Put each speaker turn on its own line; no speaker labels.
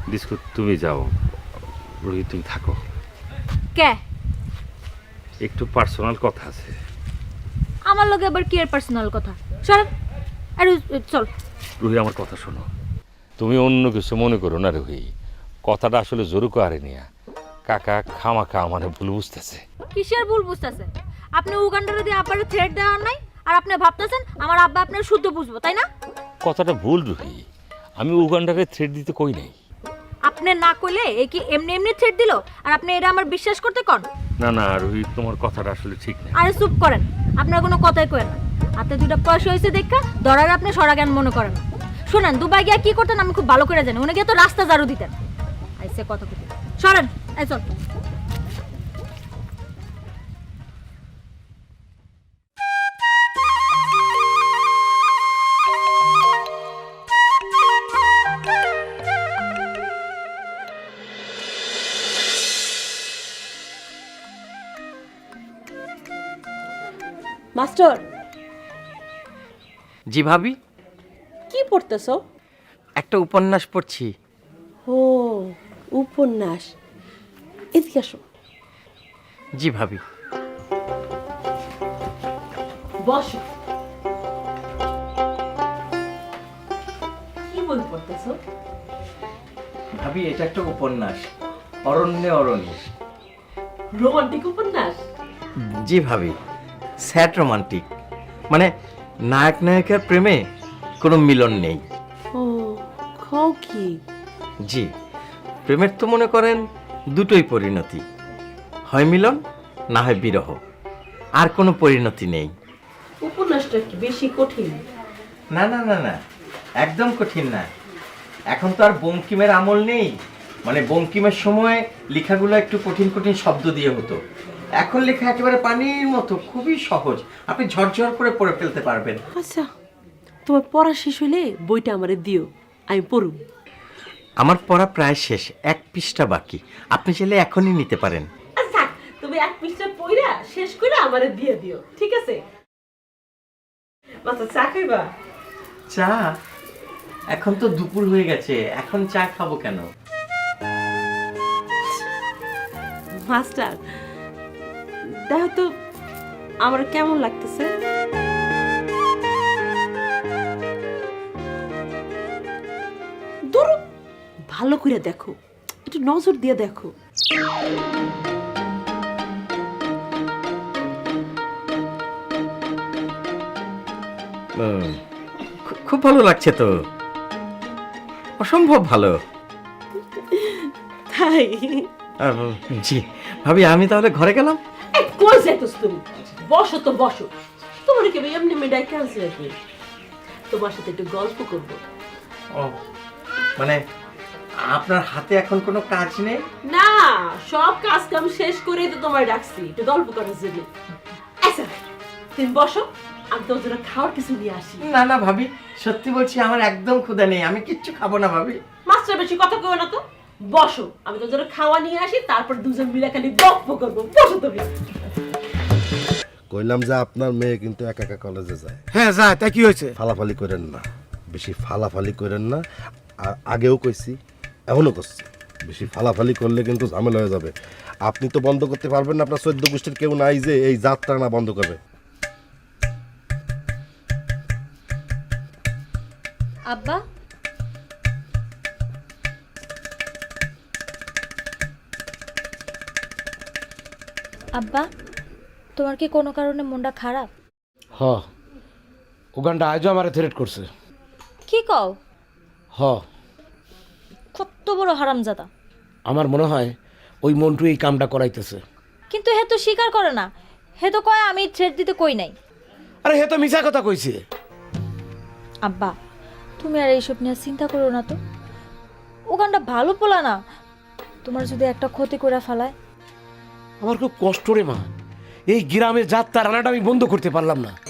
Disco তুমি যাও, রোহিত তুমি থাকো।
কে?
একটু পার্সোনাল কথা আছে।
আমার লগে আবার কি এর পার্সোনাল কথা? চল আরে চল।
রুহি আমার কথা শোনো, তুমি অন্য কিছু মনে করো না রুহি, কথাটা আসলে জোরুকো আরে নিয়া কাকা খামাখা মানে ভুল বুঝতেছে।
কিসের ভুল বুঝতেছেন? আপনি উগান্ডারে দিয়ে আব্বারে থ্রেট দেওয়ার নাই, আর আপনি ভাবতেছেন আমার আব্বা আপনার শুদ্ধ বুঝবো, তাই না?
কথাটা ভুল রুহি, আমি উগান্ডারে থ্রেট দিতে কই নাই।
আপনি না কইলে এ কি এমনি এমনি থ্রেট দিল, আর আপনি এটা আমার বিশ্বাস করতে কন?
না না রুহি, তোমার কথাটা আসলে ঠিক না।
আরে চুপ করেন, আপনার কোনো কথাই করেন না। হাতে দুটা পয়সা হয়েছে দেখা ধরার আপনি সরাজ্ঞান মনে করেন না। শোনেন, দুবাই গিয়া কি করতেন আমি খুব ভালো করে জানি। উনি গিয়ে তো রাস্তা ঝাড়ু দিতেন। আইসে কথা কইতে সরেন, এই চল।
মাস্টার,
জি ভাবি,
কি পড়তেছো?
একটা উপন্যাস পড়ছি।
ও, উপন্যাস। এদিকে আসো।
জি ভাবি।
বসো। কি বই পড়তেছো?
ভাবি এটা একটা উপন্যাস, অরণ্যে অরণ্যে।
রোমান্টিক উপন্যাস?
জি ভাবি, স্যাড রোমান্টিক, মানে নায়ক নায়িকার প্রেমে কোনো মিলন নেই।
ও, খাও কি?
জি, প্রেমের তো মনে করেন দুটোই পরিণতি, হয় মিলন না হয় বিরহ, আর কোনো পরিণতি নেই।
উপন্যাসটা কি বেশি কঠিন?
না না না না, একদম কঠিন না। এখন তো আর বঙ্কিমের আমল নেই, মানে বঙ্কিমের সময় লেখাগুলো একটু কঠিন কঠিন শব্দ দিয়ে হতো। এখন লেখা একেবারে পানির মতো, খুবই সহজ, আপনি ঝরঝর করে পড়ে ফেলতে পারবেন।
আচ্ছা, তোমার পড়া শেষ হইলে বইটা আমারে দিও, আমি পড়ুম।
আমার পড়া প্রায় শেষ, 1 পৃষ্ঠা বাকি, আপনি চাইলে এখনই নিতে পারেন।
আচ্ছা, তুমি 1 পৃষ্ঠা পড়া শেষ করে আমারে দিয়ে দিও, ঠিক আছে? মাস্টার, চা খাইবা?
চা? এখন তো দুপুর হয়ে গেছে, এখন চা খাবো কেন?
মাস্টার, দেখো তো আমার কেমন লাগতেছে। ধরো, ভালো করে দেখো, একটু নজর দিয়ে দেখো।
খুব ভালো লাগছে তো, অসম্ভব ভালো।
তাই?
জি ভাবি, আমি তাহলে ঘরে গেলাম।
কই যাইতোস তুমি? বসো তো বসো, তোমার কি এমনি মেডাই ক্যান্সেল আছে? তোমার সাথে একটু গল্প করব।
ও, মানে আপনার হাতে এখন কোনো কাজ নেই?
না, সব কাজ কাম শেষ করেই তো তোমায় ডাকছি, একটু গল্প করার জন্য। আচ্ছা, তুমি বসো, আমি তোমার জন্য খাওয়ার কিছু নিয়ে আসি।
না না ভাবি, সত্যি বলছি আমার একদম ক্ষুধা নেই, আমি কিচ্ছু খাবো না ভাবি।
মাস্টার বেশি কথা কইও না তো, বসো, আমি তোমার জন্য খাওয়া নিয়ে আসি, তারপর দুজন মিলে খালি গল্প করবো। বসো তুমি।
কইলাম যে আপনার মেয়ে কিন্তু একা একা কলেজে যায়।
হ্যাঁ যায়, তাই কি হয়েছে?
ফালাফালি করেন না, বেশি ফালাফালি করেন না। আর আগেও কইছি, এখনও করছি, বেশি ফালাফালি করলে কিন্তু ঝামেলা হয়ে যাবে। আপনি তো বন্ধ করতে পারবেন না, আপনার 14 গোষ্ঠীর কেউ নাই যে এই যাত্রা না বন্ধ করবে।
আব্বা, আব্বা, তোমার কি কোনো কারণে মনটা খারাপ?
হ, উগান্ডা আজও আমার থ্রেট করছে।
কি কও?
হ,
কত বড় হারামজাদা।
আমার মনে হয় ওই মন্টু এই কামটা করাইতেছে।
কিন্তু হে তো স্বীকার করে না, হে তো কয় আমি থ্রেট দিতে কই নাই।
আরে হে তো মিছা কথা কইছে।
আব্বা, তুমি আর এইসব নিয়ে চিন্তা করো না তো। ওখানটা ভালো পোলা না, তোমার যদি একটা ক্ষতি করে ফেলায়।
আমার খুব কষ্ট রে মা, এই গ্রামে যাত্রা রান্নাটা আমি বন্ধ করতে পারলাম না।